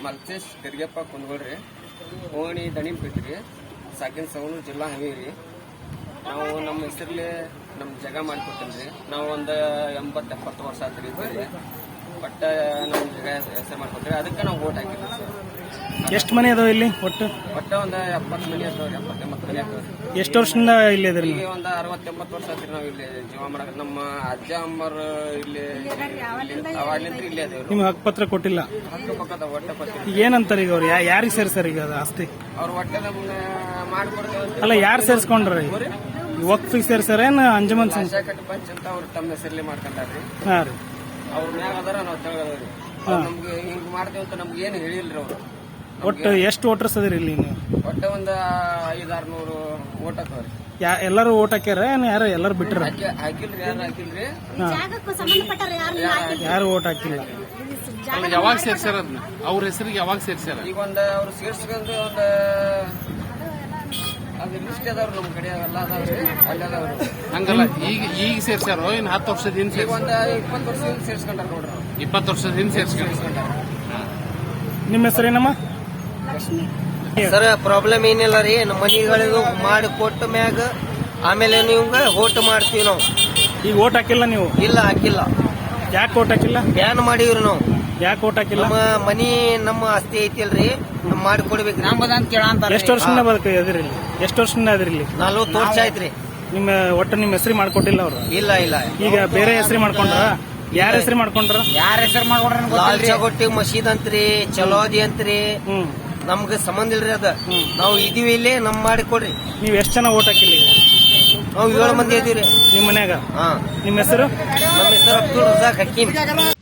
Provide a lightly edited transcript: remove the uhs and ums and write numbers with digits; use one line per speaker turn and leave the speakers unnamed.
ಮಲ್ತೇಶ್ ಗರಿಗೆಪ್ಪ ಕುಂದಗೋಳ್ರಿ, ಓಣಿ ದಣಿಪೇಟ್ರಿ, ಸಾಕಿನ ಸವಣೂರು ಜಿಲ್ಲಾ ಹವೇರಿ. ನಾವು ನಮ್ಮ ಹೆಸರಲ್ಲಿ ನಮ್ಮ ಜಾಗ ಮಾಡಿಕೊಟ್ಟಿಲ್ರಿ. ನಾವು ಒಂದು 80-70 ವರ್ಷ ಆತ್ರಿ ಇದ್ದೀವಿ. ಬಟ್ ನಮ್ಮ ಜಾಗ ಹೆಸರು ಮಾಡ್ಕೊಟ್ರಿ, ಅದಕ್ಕೆ ನಾವು ಓಟ್ ಹಾಕಿದ್ವಿ ಸರ್.
ಎಷ್ಟು ಮನೆ ಅದಾವ ಇಲ್ಲಿ ಒಟ್ಟು?
ಒಂದು 70 ಮನೆ ಅದಾವ್ರಿ, 70-80 ಮನೆ ಅದಾವ್ರಿ.
ಎಷ್ಟು ವರ್ಷದಿಂದ ಇಲ್ಲಿ ಅದ್ರಿ?
ಈಗ ಒಂದು 60-80 ವರ್ಷ ಆತ್ರಿ ನಾವು ಇಲ್ಲಿ ಜೀವ ಮಾಡಕ್. ನಮ್ಮ ಅಜ್ಜ ಅಮ್ಮರು ಇಲ್ಲಿ ಅವಾಗ್ಲಿಂದ ಇಲ್ಲೇ ಅದೇವ್ರಿ.
ನಿಮ್ಗೆ ಹಕ್ಕುಪತ್ರ ಕೊಟ್ಟಿಲ್ಲ?
ಹಕ್ಕು ಪಕ್ಕದ ಒಟ್ಟೆ ಕೊಟ್ಟಿಲ್ಲ.
ಈಗ ಏನಂತಾರೆ ಈಗ ಅವ್ರು? ಯಾರಿಗೆ ಸೇರ್ಸಾರ ಈಗ ಅದು ಆಸ್ತಿ?
ಅವ್ರ ಒಟ್ಟೆ ನಮ್ಗೆ ಮಾಡ್ಕೊಡ್ತೇವೆ.
ಅಲ್ಲ, ಯಾರು ಸೇರ್ಸ್ಕೊಂಡ್ರಿ? ವಕ್ಫಿಗೆ ಸೇರ್ಸಾರ ಏನ್ ಅಂಜುಮನ್
ಶಾಖಟ್ ಪಂಚ್ ಅಂತ ಅವ್ರು ತಮ್ಮ ಹೆಸರಲ್ಲಿ ಮಾಡ್ಕೊಂಡಾರ್ರಿ.
ಹಾ ರೀ.
ಅವ್ರ ಮ್ಯಾಗ ಅದಾರ ನಾವು ತೆಳಗದವ್ರಿ. ನಮ್ಗೆ ಹಿಂಗ್ ಮಾಡ್ತೇವೆ ಅಂತ ನಮ್ಗೆ ಏನು ಹೇಳಿಲ್ರಿ ಅವ್ರು.
ಒಟ್ಟು ಎಷ್ಟು ವೋಟರ್ಸ್ ಅದ್ರಿ ಇಲ್ಲಿ ನೀವು?
ಒಟ್ಟೆ ಒಂದು 500-600 ಓಟ್ ಹಾಕವ್ರಿ.
ಎಲ್ಲರೂ ಓಟ್ ಹಾಕ್ಯಾರ ಏನ್ ಯಾರು ಎಲ್ಲರೂ ಬಿಟ್ರ?
ಹಾಕಿಲ್ರಿ, ಯಾರು ಹಾಕಿಲ್ರಿ.
ಯಾರು ಓಟ್ ಹಾಕಿಲ್ಲ.
ಯಾವಾಗ ಸೇರ್ಸ್ಯಾರ ಅದನ್ನ? ಅವ್ರ ಹೆಸರಿಗೆ ಯಾವಾಗ ಸೇರ್ಸ್ಯಾರ?
ಈಗ ಅವ್ರು ಸೇರ್ಸ್ಕೊಂಡ್ರೆ ಅದು ಲಿಸ್ಟ್ ಅದಾವ್ರಿ ನಮ್ ಕಡೆ ಎಲ್ಲ ಅದಾವ್ರಿ, ಅಲ್ಲಿ ಅದಾವ್ರಿ.
ಹಂಗಲ್ಲ, ಈಗ ಸೇರ್ಸ್ಯಾರೋ ಇನ್ 10 ವರ್ಷದ ಹಿಂದೆ?
ಈಗ ಒಂದು 20 ವರ್ಷದಿಂದ ಸೇರ್ಸ್ಕೊಂಡಾರ ನೋಡ್ರಿ.
20 ವರ್ಷದ ಹಿಂದೆ ಸೇರ್ಸ್ಕೊಂಡಾರ.
ನಿಮ್ಮ ಹೆಸರೇನಮ್ಮ?
ಸರ್, ಪ್ರಾಬ್ಲಮ್ ಏನಿಲ್ಲ ರೀ. ನಮ್ಮ ಮನಿಗಳಿಗೂ ಮಾಡಿ ಕೊಟ್ಟ ಮ್ಯಾಗ ಆಮೇಲೆ ನಿಮ್ಗೆ ಓಟ್ ಮಾಡ್ತೀವಿ ನಾವು.
ಈಗ ಓಟ್ ಹಾಕಿಲ್ಲ ನೀವು?
ಇಲ್ಲ, ಹಾಕಿಲ್ಲ.
ಯಾಕೆ ಓಟ್ ಹಾಕಿಲ್ಲ?
ಬ್ಯಾನ್ ಮಾಡಿವ್ರಿ ನಾವು.
ಯಾಕೆ ಓಟ್ ಹಾಕಿಲ್ಲ?
ನಮ್ಮ ಮನಿ ನಮ್ಮ ಆಸ್ತಿ ಐತಿಲ್ರಿ, ನಮ್ ಮಾಡಿ ಕೊಡ್ಬೇಕು.
ಎಷ್ಟು ವರ್ಷದಿಂದ ಅದ್ರಿ? ಎಷ್ಟು ವರ್ಷದಿಂದ ಅದ್ರಿ ಇಲ್ಲಿ?
40 ವರ್ಷ ಆಯ್ತ್ರಿ.
ನಿಮ್ಮ ಒಟ್ಟು ನಿಮ್ಮ ಹೆಸರು ಮಾಡ್ಕೊಟ್ಟಿಲ್ಲ ಅವ್ರು?
ಇಲ್ಲ.
ಈಗ ಬೇರೆ ಹೆಸರು ಮಾಡ್ಕೊಂಡ್ರ? ಯಾರ ಹೆಸರು ಮಾಡ್ಕೊಂಡ್ರ?
ಯಾರ ಹೆಸರು ಮಾಡ್ಕೊಂಡ್ರ? ಲಾಲ್ ಚಗೋಟಿ ಮಸೀದ್ ಅಂತ್ರಿ, ಚಲೋದಿ ಅಂತ್ರಿ. ನಮ್ಗೆ ಸಂಬಂಧ ಇಲ್ರಿ ಅದ. ನಾವು ಇದೀವಿ ಇಲ್ಲಿ, ನಮ್ ಮಾಡಿ ಕೊಡ್ರಿ.
ನೀವ್ ಎಷ್ಟ್ ಜನ ಓಟ್ ಹಾಕಿಲ್ಲ?
ನಾವು 7 ಮಂದಿ ಇದೀವ್ರಿ
ನಿಮ್ ಮನ್ಯಾಗ.
ಹಾ.
ನಿಮ್ಮ ಹೆಸರು?
ನಮ್ಮ ಹೆಸರು ಅಬ್ದುಲ್ ರಜಾಕ್ ಹಕೀಮ್.